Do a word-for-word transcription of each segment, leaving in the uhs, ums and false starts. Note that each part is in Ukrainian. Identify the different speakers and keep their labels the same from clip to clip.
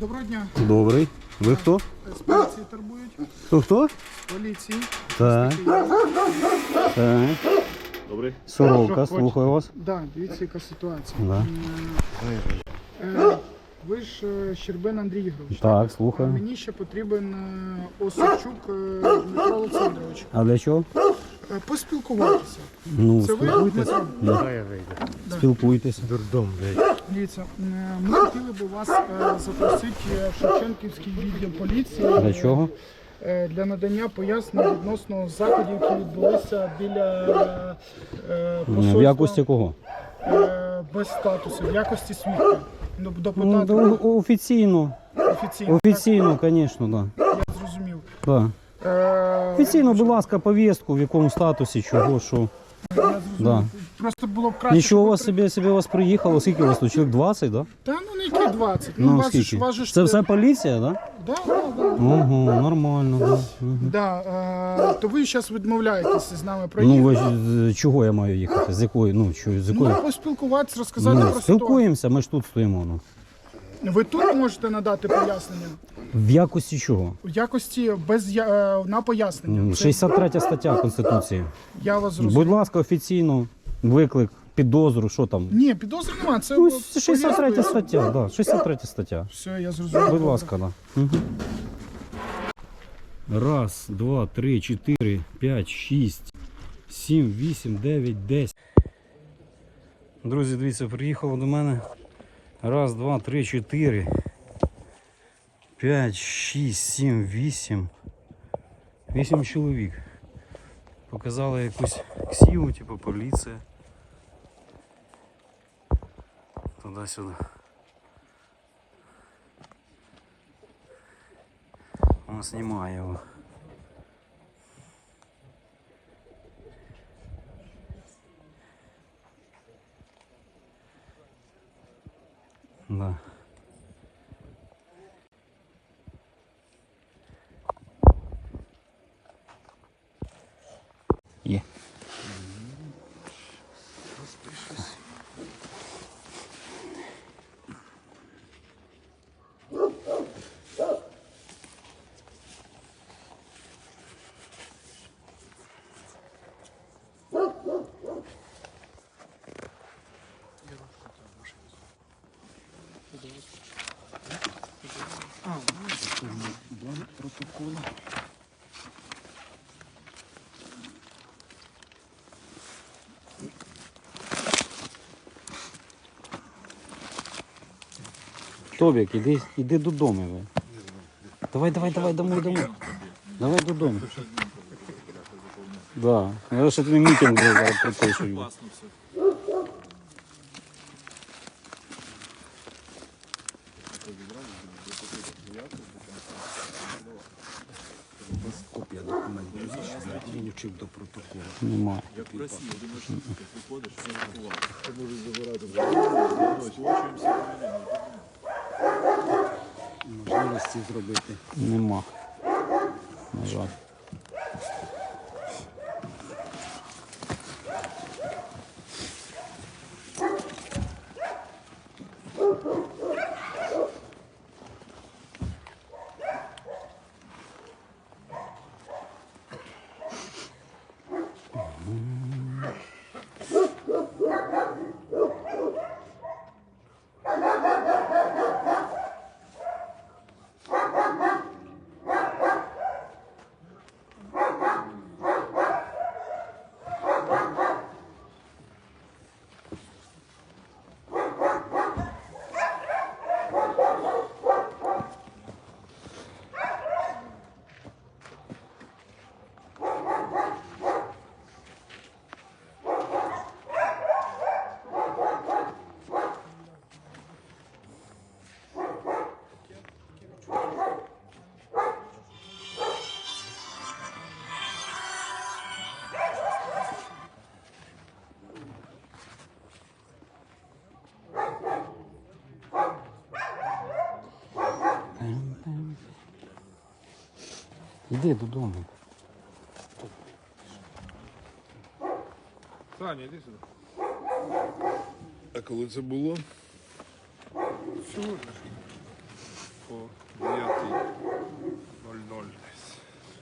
Speaker 1: Доброго дня.
Speaker 2: Добрий. Ви хто?
Speaker 1: З поліції турбують.
Speaker 2: Хто хто?
Speaker 1: З поліції.
Speaker 2: Так. Так.
Speaker 3: Добрий.
Speaker 2: Сорока, слухаю вас.
Speaker 1: Да, дивіться, яка ситуація.
Speaker 2: Да.
Speaker 1: Е, Ви ж е, Щербин Андрій Ігорович.
Speaker 2: Так,
Speaker 1: А
Speaker 2: слухаю.
Speaker 1: мені ще потрібен е, Осадчук е, Дмитро Олександрович.
Speaker 2: А для чого?
Speaker 1: Е, Поспілкуватися.
Speaker 2: Ну,
Speaker 1: Це ви,
Speaker 2: спілкуйтеся.
Speaker 1: Дмитро?
Speaker 2: Да.
Speaker 3: Хай я вийду.
Speaker 1: Да.
Speaker 2: Спілкуйтеся.
Speaker 3: Дурдом, блядь.
Speaker 1: Дивіться, е, ми хотіли б вас е, запросити в Шевченківський відділ поліції.
Speaker 2: Для чого?
Speaker 1: Е, Для надання пояснень відносно заходів, які відбулися біля е,
Speaker 2: В
Speaker 1: посольства.
Speaker 2: якості кого?
Speaker 1: Е, без статусу, в якості свідка.
Speaker 2: Ну,
Speaker 1: Депутата
Speaker 2: да, о- офіційно.
Speaker 1: офіційно.
Speaker 2: Офіційно, звісно, да.
Speaker 1: Так, я зрозумів.
Speaker 2: Да.
Speaker 1: Е,
Speaker 2: Офіційно, будь ласка, повістку, в якому статусі, чого, що.
Speaker 1: Я зрозумів.
Speaker 2: Да.
Speaker 1: Просто було б краще.
Speaker 2: Нічого у
Speaker 1: щоб
Speaker 2: вас
Speaker 1: ви
Speaker 2: собі, собі у вас приїхало, скільки у вас тут? Чоловік двадцять, да?
Speaker 1: Та ну не які двадцять. Ну,
Speaker 2: Ну,
Speaker 1: вас же ж-
Speaker 2: скільки?
Speaker 1: вас же ж-
Speaker 2: Це все поліція, да?
Speaker 1: Да, да, да.
Speaker 2: Ого, нормально, да. Мгм.
Speaker 1: Да, е, то ви зараз відмовляєтеся з нами
Speaker 2: Ну,
Speaker 1: проїхати.
Speaker 2: ви ж, з чого я маю їхати? З якої? Ну, що, з якої?
Speaker 1: Ну, поспілкуватися, розказати
Speaker 2: Ну,
Speaker 1: про ситуацію.
Speaker 2: спілкуємося, ми ж тут стоїмо. Ну.
Speaker 1: Ви тут можете надати пояснення?
Speaker 2: В якості чого?
Speaker 1: В якості без я- е, на пояснення.
Speaker 2: М,
Speaker 1: Це-
Speaker 2: шістдесят третя стаття Конституції.
Speaker 1: Я вас зрозумів.
Speaker 2: Будь ласка, офіційно, виклик, підозру, що там?
Speaker 1: Ні, підозри немає. Це
Speaker 2: Ну,
Speaker 1: от
Speaker 2: шістдесят третя
Speaker 1: повістка.
Speaker 2: стаття, да, шістдесят третя стаття.
Speaker 1: Все, я зрозумів.
Speaker 2: Будь ласка, да. Угу. Раз, два, три, чотири, п'ять, шість, сім, вісім, дев'ять, десять. Друзі, дивіться, приїхало до мене. Раз, два, три, чотири, п'ять, шість, сім, вісім. Вісім чоловік. Показали якусь ксіву, типу поліція. Туди-сюди. Он знімає його. Да. Є. Тобік, іди, іди додому. Ви. Давай, давай, давай, домой, домой. Давай додому. Да. Я ще тобі мітинг буде зараз припишую.
Speaker 4: Копія документів, він вчив до протоколу.
Speaker 2: Немає.
Speaker 3: Як в Росії, один на ти приходиш, все рахував. Ти можеш забирати вже. Сплачуємося.
Speaker 4: Можливості зробити.
Speaker 2: Нема. На жаль. Іди додому.
Speaker 3: Саня, іди сюди. А коли це було? Сьогодні.
Speaker 4: по дев'ятій нуль нуль десь.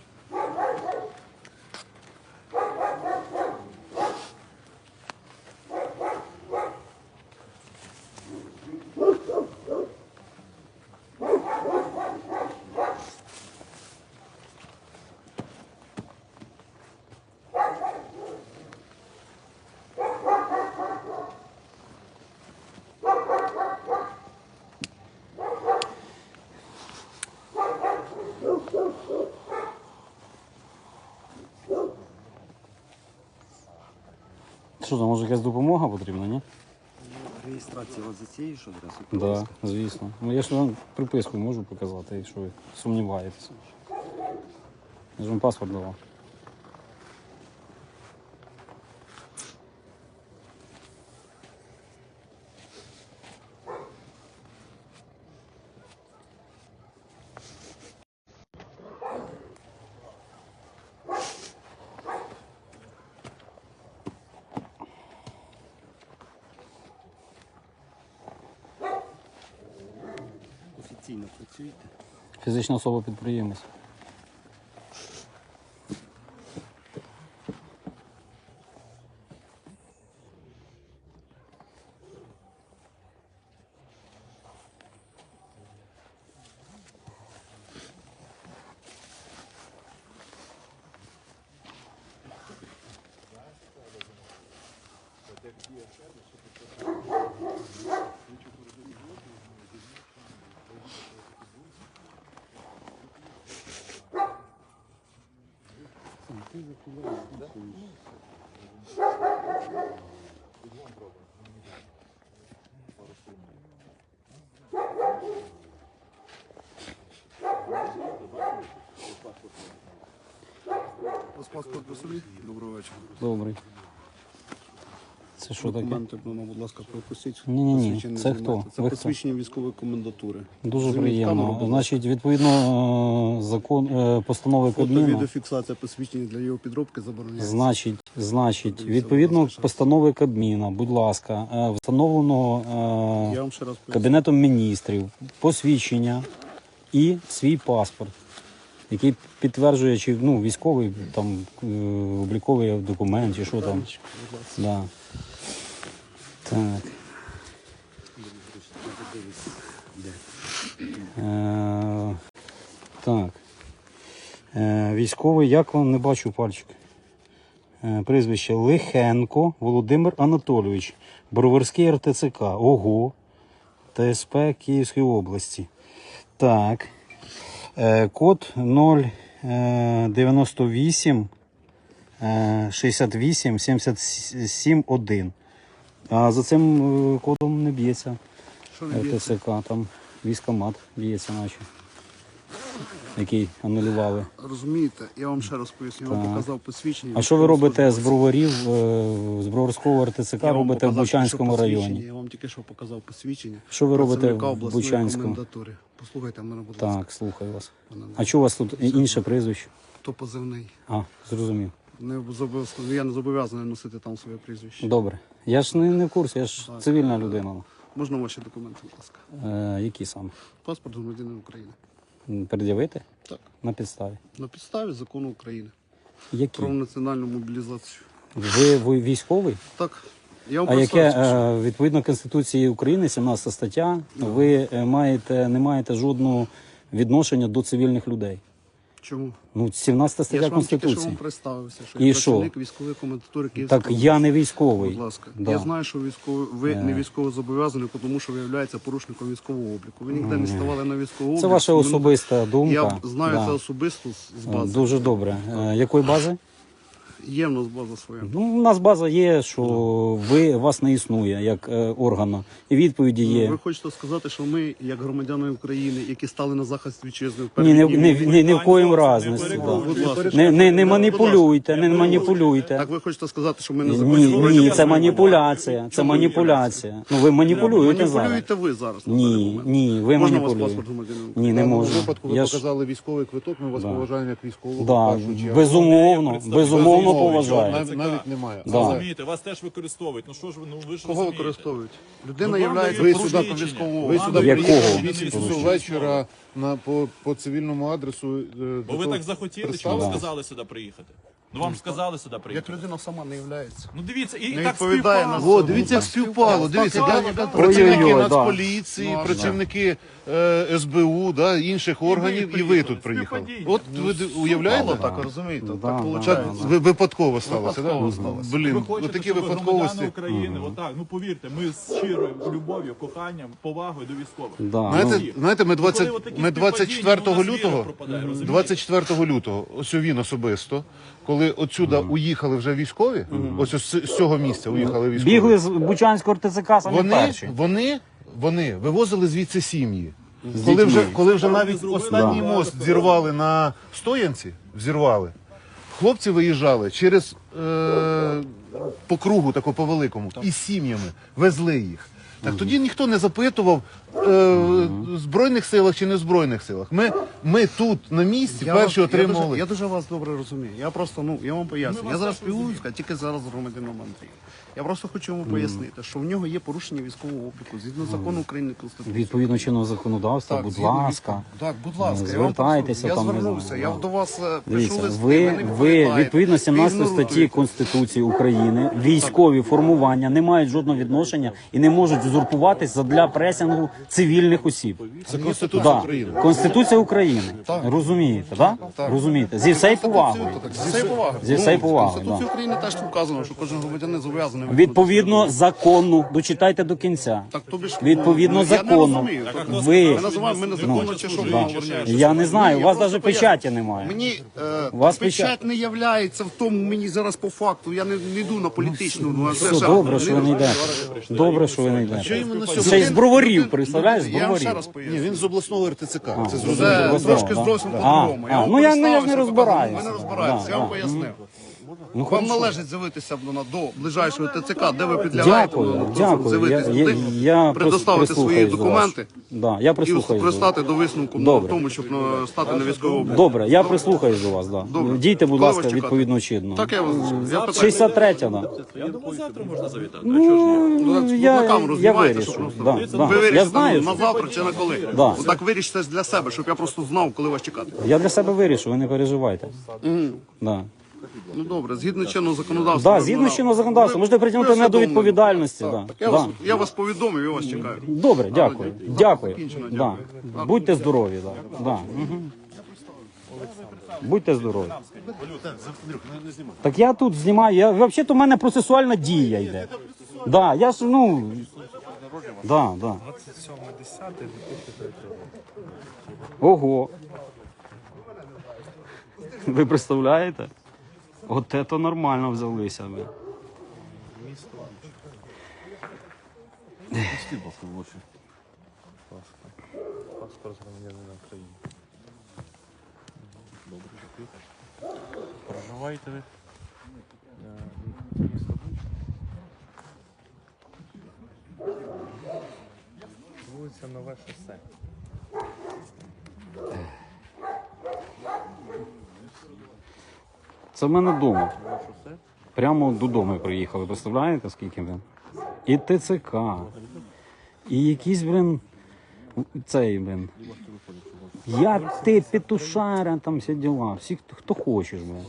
Speaker 2: Що там, може якась допомога потрібна, ні?
Speaker 4: Реєстрація от за цією ж адресою?
Speaker 2: Так, да, звісно. Ну я ж вам приписку можу показати, якщо ви сумніваєтеся. Я ж вам паспорт давав.
Speaker 4: Офіційно працюєте?
Speaker 2: Фізична особа підприємець.
Speaker 4: У вас паспорт по собі? Доброго вечора.
Speaker 2: Добрий. Це що таке?
Speaker 4: Документи, ну, будь ласка, пропустіть.
Speaker 2: Ні-ні-ні,
Speaker 4: Посвідчення
Speaker 2: це
Speaker 4: знімайте.
Speaker 2: хто?
Speaker 4: Це
Speaker 2: Ви хто?
Speaker 4: посвідчення військової комендатури.
Speaker 2: Дуже
Speaker 4: Зніміть
Speaker 2: приємно.
Speaker 4: камеру, будь
Speaker 2: Значить, відповідно е, закон е, постанови
Speaker 4: Фото,
Speaker 2: Кабміну.
Speaker 4: відеофіксація посвідчення для його підробки забороняється.
Speaker 2: Значить, значить,
Speaker 4: Дивіться,
Speaker 2: відповідно
Speaker 4: будь ласка.
Speaker 2: постанови Кабміна, будь ласка, е, встановленого е,
Speaker 4: Я вам ще раз поясню.
Speaker 2: Кабінетом міністрів посвідчення і свій паспорт, який підтверджує, чи ну, військовий там е, обліковий документ, чи що там.
Speaker 4: Будь ласка.
Speaker 2: Да. Так. Е, так. Е, військовий, як вам не бачу пальчик. Е, прізвище Лихенко Володимир Анатолійович, Броварський ер те це ка, ОГО, Те ес пе Київської області. Так. Е, код нуль дев'яносто вісім шістдесят вісім сімдесят сім один. А за цим е, кодом не б'ється
Speaker 4: Що не
Speaker 2: ер те
Speaker 4: б'ється?
Speaker 2: це ка, там військомат б'ється наче, який анулювали.
Speaker 4: Розумієте, я вам ще раз поясню. Я вам
Speaker 2: Так.
Speaker 4: показав посвідчення.
Speaker 2: А що ви робите з броварів, е, з Броварського ер те це ка
Speaker 4: Я вам
Speaker 2: робите в
Speaker 4: показав тільки що
Speaker 2: Бучанському
Speaker 4: посвідчення.
Speaker 2: районі?
Speaker 4: Я вам тільки що показав посвідчення.
Speaker 2: Що ви робите
Speaker 4: працівника
Speaker 2: в
Speaker 4: обласної
Speaker 2: Бучанському?
Speaker 4: комендатури. Послухайте мене, будь ласка.
Speaker 2: Так, слухаю вас.
Speaker 4: Пане
Speaker 2: А чого у вас тут інше прізвище?
Speaker 4: То позивний.
Speaker 2: А, зрозумів.
Speaker 4: Не зобов'язаний- я не зобов'язаний носити там своє прізвище.
Speaker 2: Добре. Я ж не, не в курсі, я ж
Speaker 4: Так.
Speaker 2: цивільна людина.
Speaker 4: Можна ваші документи, будь ласка?
Speaker 2: Е, які саме?
Speaker 4: Паспорт громадянина України.
Speaker 2: М, Пред'явити?
Speaker 4: Так.
Speaker 2: На підставі.
Speaker 4: На підставі закону України
Speaker 2: Які?
Speaker 4: про національну мобілізацію.
Speaker 2: Ви, ви військовий?
Speaker 4: Так. Я вам
Speaker 2: А
Speaker 4: просто
Speaker 2: яке,
Speaker 4: розкажу.
Speaker 2: е, відповідно Конституції України, сімнадцята стаття, ви е, маєте, не маєте жодного відношення до цивільних людей.
Speaker 4: Чому?
Speaker 2: Ну, сімнадцята
Speaker 4: Я
Speaker 2: стаття
Speaker 4: ж вам тільки що вам
Speaker 2: Конституції.
Speaker 4: представився, що
Speaker 2: І
Speaker 4: я
Speaker 2: що?
Speaker 4: працівник військової комендатури Київської
Speaker 2: Так
Speaker 4: області.
Speaker 2: я не військовий.
Speaker 4: Будь ласка.
Speaker 2: Да.
Speaker 4: Я знаю, що військовий, ви
Speaker 2: Е.
Speaker 4: не військово зобов'язані, тому що ви являєтеся порушником військового обліку. Ви ніде не ставали на військовий облік.
Speaker 2: Це ваша
Speaker 4: Ви-
Speaker 2: особиста думка.
Speaker 4: Я знаю
Speaker 2: Да.
Speaker 4: це особисто з- з бази.
Speaker 2: Дуже добре. Е, якої бази?
Speaker 4: Є в нас база своя.
Speaker 2: Ну, у нас база є, що ви, вас не існує як е, органу. І відповіді
Speaker 4: Ну,
Speaker 2: є.
Speaker 4: Ви хочете сказати, що ми, як громадяни України, які стали на захист вітчизни, в
Speaker 2: Ні, не,
Speaker 4: перші
Speaker 2: не,
Speaker 4: дні
Speaker 2: не, не в коїм разі.
Speaker 4: будь ласка.
Speaker 2: Не, не, не
Speaker 4: Будь
Speaker 2: маніпулюйте, не
Speaker 4: ласка.
Speaker 2: маніпулюйте.
Speaker 4: Так ви хочете сказати, що ми не
Speaker 2: Ні,
Speaker 4: законні?
Speaker 2: ні, це маніпуляція. Це маніпуляція. Ну ви маніпулюєте зараз.
Speaker 4: Маніпулюєте ви зараз. на даний
Speaker 2: Ні,
Speaker 4: момент.
Speaker 2: ні, ви
Speaker 4: Можна у вас
Speaker 2: маніпулюєте.
Speaker 4: паспорт громадянина України?
Speaker 2: Ні, не
Speaker 3: В даному
Speaker 2: можна.
Speaker 3: випадку ви
Speaker 2: Я ж,
Speaker 3: показали військовий квиток, ми вас
Speaker 2: Да.
Speaker 3: поважаємо як військового. в
Speaker 2: да,
Speaker 3: першу чергу.
Speaker 2: безумовно, безумовно, поважає.
Speaker 4: Навіть, навіть немає.
Speaker 2: Да.
Speaker 3: Розумієте, вас теж використовують. Ну що ж ви, ну ви ж
Speaker 4: Кого
Speaker 3: розумієте.
Speaker 4: використовують? Людина
Speaker 3: Ну,
Speaker 4: є
Speaker 3: вам дають
Speaker 4: ви
Speaker 3: порушення.
Speaker 4: сюди по військовому
Speaker 3: Ви
Speaker 4: обліку.
Speaker 3: сюди
Speaker 2: Якого?
Speaker 3: приїхали на
Speaker 4: вісім
Speaker 3: військову
Speaker 4: часов вечора на, по, по цивільному адресу. е,
Speaker 3: Бо
Speaker 4: до
Speaker 3: ви
Speaker 4: того
Speaker 3: так захотіли, чи вам
Speaker 2: Да.
Speaker 3: сказали сюди приїхати? Ну вам ж сказали сюди
Speaker 4: Як
Speaker 3: приїхати.
Speaker 4: людина сама не являється.
Speaker 3: Ну дивіться, і, і
Speaker 4: Не
Speaker 3: так
Speaker 4: відповідає на
Speaker 3: співпало.
Speaker 4: О, дивіться, як співпало. Дивіться,
Speaker 3: так,
Speaker 4: де
Speaker 3: так.
Speaker 4: працівники
Speaker 2: Ой-ой-ой, да.
Speaker 4: Нацполіції,
Speaker 3: Ну, а
Speaker 4: працівники е, ес бе у, да, інших органів, і ви
Speaker 3: приїхали.
Speaker 4: тут приїхали.
Speaker 3: Співпадіння.
Speaker 4: От ви д- уявляєте?
Speaker 2: Да.
Speaker 4: Так, розумієте?
Speaker 2: Да,
Speaker 4: Так
Speaker 2: да,
Speaker 4: виходить.
Speaker 2: да, да.
Speaker 4: Ви випадково сталося,
Speaker 3: Випадково
Speaker 4: да?
Speaker 3: сталося.
Speaker 4: Блін,
Speaker 3: Ви хочете,
Speaker 4: отакі
Speaker 3: щоб
Speaker 4: випадковості.
Speaker 3: громадяни України, отак, ну повірте, ми з щирою любов'ю, коханням, повагою до військових.
Speaker 2: Да.
Speaker 4: Знаєте,
Speaker 3: Ну,
Speaker 4: знаєте, ми,
Speaker 3: коли
Speaker 4: двадцять,
Speaker 3: отакі
Speaker 4: ми
Speaker 3: співпадіння,
Speaker 4: двадцять четвертого
Speaker 3: у нас віра
Speaker 4: лютого,
Speaker 3: пропадає, розумієте?
Speaker 4: двадцять четвертого лютого, ось він особисто, коли отсюда уїхали вже військові, ось ось з цього місця уїхали військові.
Speaker 2: Бігли з Бучанського РТЦК самі
Speaker 4: Вони,
Speaker 2: перші.
Speaker 4: вони, вони вивозили звідси сім'ї. Коли вже, коли вже навіть
Speaker 3: зробили?
Speaker 4: останній
Speaker 3: Да.
Speaker 4: мост зірвали на Стоянці, взірвали, хлопці виїжджали через е, по кругу, тако по великому, із сім'ями, везли їх. Так тоді ніхто не запитував е, в Збройних силах чи не в Збройних силах. Ми, ми тут на місці
Speaker 5: Я
Speaker 4: перші
Speaker 5: вас- Я
Speaker 4: отримували.
Speaker 5: дуже, я дуже вас добре розумію. Я просто, ну, я вам поясню. Я зараз спілкуюся, тільки зараз з громадянином Андрієм. Я просто хочу йому пояснити, що в нього є порушення військового обліку згідно закону України Конституції.
Speaker 2: Відповідно чинного законодавства, будь
Speaker 5: згідно
Speaker 2: ласка.
Speaker 5: від- Так, будь ласка, я вам
Speaker 2: звертайтеся
Speaker 5: просто-
Speaker 2: там,
Speaker 5: Я
Speaker 2: не
Speaker 5: звернувся,
Speaker 2: знаю,
Speaker 5: я
Speaker 2: да.
Speaker 5: до вас е, пишу
Speaker 2: Дивіться,
Speaker 5: листи,
Speaker 2: ви,
Speaker 5: не
Speaker 2: ви
Speaker 5: відповідаєте,
Speaker 2: відповідно сімнадцятої
Speaker 5: ігноруєте.
Speaker 2: статті Конституції України військові формування не мають жодного відношення і не можуть узурпуватись задля пресингу цивільних осіб.
Speaker 4: Це Конституція
Speaker 2: Да.
Speaker 4: України.
Speaker 2: Конституція України. Розумієте, так? Розумієте. Зі всією повагою.
Speaker 5: Зі всією повагою.
Speaker 2: Зі всією
Speaker 5: Ну,
Speaker 2: повагою,
Speaker 5: В Конституції
Speaker 2: да.
Speaker 5: України теж вказано, що кожен громадянин зобов'язаний
Speaker 2: Відповідно закону, дочитайте до кінця.
Speaker 5: Так, тобі ж,
Speaker 2: Відповідно
Speaker 5: ну, я не
Speaker 2: закону.
Speaker 5: розумію. Так, а
Speaker 2: Ви
Speaker 5: Ми називаємо, ми незаконно чи що ми
Speaker 2: да.
Speaker 5: говоримо?
Speaker 2: Я не знаю, у
Speaker 5: Ні,
Speaker 2: вас
Speaker 5: я
Speaker 2: навіть
Speaker 5: просто
Speaker 2: печаті
Speaker 5: поясню.
Speaker 2: немає.
Speaker 5: Мені е,
Speaker 2: У вас
Speaker 5: печать
Speaker 2: печать-
Speaker 5: не являється в тому, мені зараз по факту. Я не, не йду на політичну. Ну, а це
Speaker 2: Все
Speaker 5: ще-
Speaker 2: добре, що ви не йдете. Добре, що ви не йдете. Ще й з броварів, представляєш, з
Speaker 5: Я вам ще
Speaker 2: броварів.
Speaker 5: раз
Speaker 4: Ні,
Speaker 5: поясню.
Speaker 4: він з обласного ер те це ка. Це
Speaker 5: Це
Speaker 4: зрозуміло.
Speaker 5: трошки
Speaker 2: да.
Speaker 5: зовсім
Speaker 2: А,
Speaker 5: по-другому.
Speaker 2: а,
Speaker 5: вам
Speaker 2: ну, я- ну, я ж не
Speaker 5: представився,
Speaker 2: розбираюся.
Speaker 5: Ви не розбираєтеся, я вам
Speaker 2: Да,
Speaker 5: пояснив.
Speaker 2: Ну,
Speaker 5: Вам
Speaker 2: хорошо.
Speaker 5: належить з'явитися до, до ближайшого те це ка, де ви підлягаєте.
Speaker 2: Дякую,
Speaker 5: ну,
Speaker 2: дякую.
Speaker 5: з'явитися
Speaker 2: Я, я,
Speaker 5: туди,
Speaker 2: я
Speaker 5: предоставити свої
Speaker 2: прислухаюсь до вас.
Speaker 5: документи
Speaker 2: Да, я
Speaker 5: і
Speaker 2: прислухаюсь до вас.
Speaker 5: пристати до висновку на
Speaker 2: Добре.
Speaker 5: тому, щоб е, стати на військовий облік.
Speaker 2: Добре, я прислухаюсь до вас, да.
Speaker 5: Добре.
Speaker 2: Дійте, будь
Speaker 5: Коли
Speaker 2: ласка,
Speaker 5: вас чекати?
Speaker 2: відповідно чинно.
Speaker 5: Так я вас я питаю.
Speaker 2: шістдесят третя, да.
Speaker 3: Я думаю, завтра можна завітати. а чого ж ні?
Speaker 5: Ну, так,
Speaker 2: я,
Speaker 5: на камеру
Speaker 2: я
Speaker 5: знімаєте,
Speaker 2: вирішу.
Speaker 5: щоб просто-
Speaker 2: Да,
Speaker 3: Дивіться,
Speaker 2: да.
Speaker 5: Ви вирішите
Speaker 2: Я знаю,
Speaker 5: на
Speaker 2: що-
Speaker 5: завтра чи на коли.
Speaker 2: Да.
Speaker 5: Отак вирішите для себе, щоб я просто знав, коли вас чекати.
Speaker 2: я для себе вирішу, ви не переживайте. Да.
Speaker 5: Ну добре, згідно чинного законодавства.
Speaker 2: Да,
Speaker 5: ви
Speaker 2: згідно
Speaker 5: мене-
Speaker 2: з чинного законодавства,
Speaker 5: ви-
Speaker 2: можете притягнути
Speaker 5: ви
Speaker 2: мене до
Speaker 5: усвідомлені.
Speaker 2: відповідальності.
Speaker 5: Так,
Speaker 2: Да.
Speaker 5: так я,
Speaker 2: Да.
Speaker 5: вас, я вас повідомив, я вас чекаю.
Speaker 2: Добре, дякую. Дякую.
Speaker 5: Закінчено,
Speaker 2: Да.
Speaker 5: дякую.
Speaker 2: Будьте здорові. Да. Да. Мгм. Будьте здорові. Так я тут знімаю. Я, взагалі-то в мене процесуальна дія йде. Да, я ж, ну... Да, да. Ого. Ви представляєте? От це нормально взялися. Ви.
Speaker 3: Паспорт громадянина України. Добре, дякую. Проживаєте ви? Е, місто Буч? Вулиця Нове шосе.
Speaker 2: Це в мене вдома.
Speaker 3: Нове шосе?
Speaker 2: Прямо додому представляєте, представляєте, скільки він? І те це ка, і якийсь, блин, цей, блин. Я ти, петушара, там всі діла. Всі, хто, хто хочеш, блин.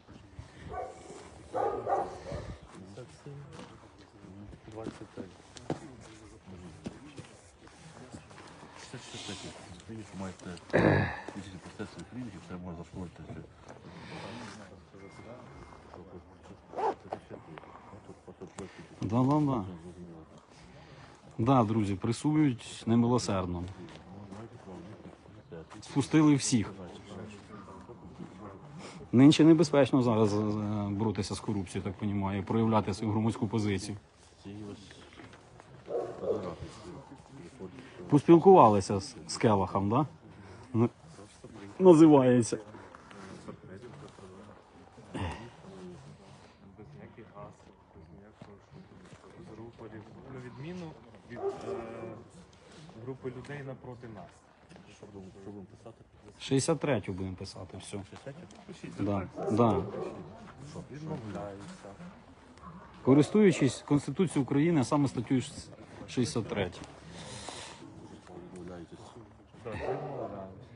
Speaker 3: двадцять три.
Speaker 6: Маєте фізичні процеси клініки, це можна зашкодити.
Speaker 2: Да-да-да. Да, друзі, пресують немилосердно. Спустили всіх. Нинче небезпечно зараз е, боротися з корупцією, так розумію, проявляти свою громадську позицію. Поспілкувалися з, з Келахом, так? Да? Називається.
Speaker 7: Без ніяких гасел, без ніякого з рупорів. На відміну від е, групи людей напроти нас.
Speaker 6: Що будемо, що будемо писати?
Speaker 2: шістдесят третю будемо писати, все.
Speaker 6: шістдесят?
Speaker 2: Да, да.
Speaker 7: Відмовляюся.
Speaker 2: Користуючись Конституцією України, а саме статтю шістдесят три.
Speaker 6: Відмовляєтесь.
Speaker 7: Так, відмовляюся.